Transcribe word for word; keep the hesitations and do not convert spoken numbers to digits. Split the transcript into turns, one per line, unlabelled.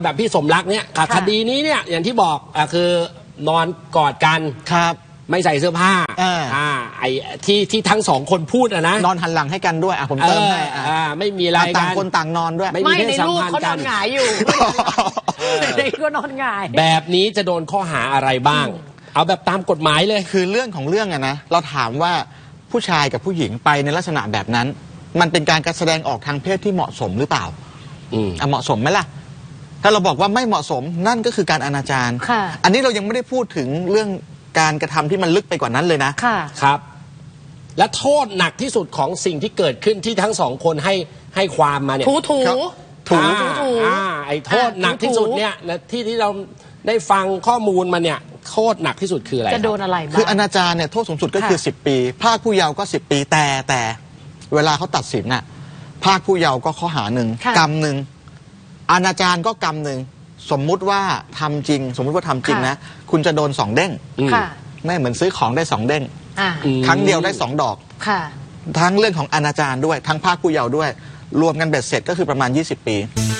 แบบพี่สมรักเนี่ยคดีนี้เนี่ยอย่างที่บอกอ่ะคือนอนกอดกัน
ครับ
ไม่ใส่เสื้อผ้าอ่าไอ้ที่ที่ทั้งสองคนพูดอะนะ
นอนหันหลังให้กันด้วยอ่ะผมเติมให้
อ่าไม่มีอะไรกัน
ต่างคนต่างนอนด้วย
ไม่ในรูปเขานอนหงายอยู่ในก็นอนหงาย
แบบนี้จะโดนข้อหาอะไรบ้างเอาแบบตามกฎหมายเลย
คือเรื่องของเรื่องอะนะเราถามว่าผู้ชายกับผู้หญิงไปในลักษณะแบบนั้นมันเป็นการการแสดงออกทางเพศที่เหมาะสมหรือเปล่าอืมเหมาะสมไหมล่ะถ้าเราบอกว่าไม่เหมาะสมนั่นก็คือการอนาจารอันนี้เรายังไม่ได้พูดถึงเรื่องการกระทำที่มันลึกไปกว่านั้นเลยนะ
ค่ะ
ครับและโทษหนักที่สุดของสิ่งที่เกิดขึ้นที่ทั้งสองคนให้ให้ความมาเนี่ย
ถูถู
ถูถูไอ้โทษหนักที่สุดเนี่ยที่ที่เราได้ฟังข้อมูลมาเนี่ยโทษหนักที่สุดคืออะไร
จะโดนอะไรบ้าง
คืออนาจารเนี่ยโทษสูงสุดก็คือสิบปีภาคผู้เยาว์ก็สิบปีแต่แต่เวลาเขาตัดสินน่ะภาคผู้เยาว์ก็ข้อหาหนึ่งกรรมหนึ่งอนาจารก็กรรมหนึ่งสมมุติว่าทำจริงสมมุติว่าทำจริงนะคุณจะโดนสองเด้งไม่เหมือนซื้อของได้สองเด้งครั้งเดียวได้สองดอกทั้งเรื่องของอนาจารด้วยทั้งภาคผู้เยาว์ด้วยรวมกันเบ็ดเสร็จก็คือประมาณยี่สิบปี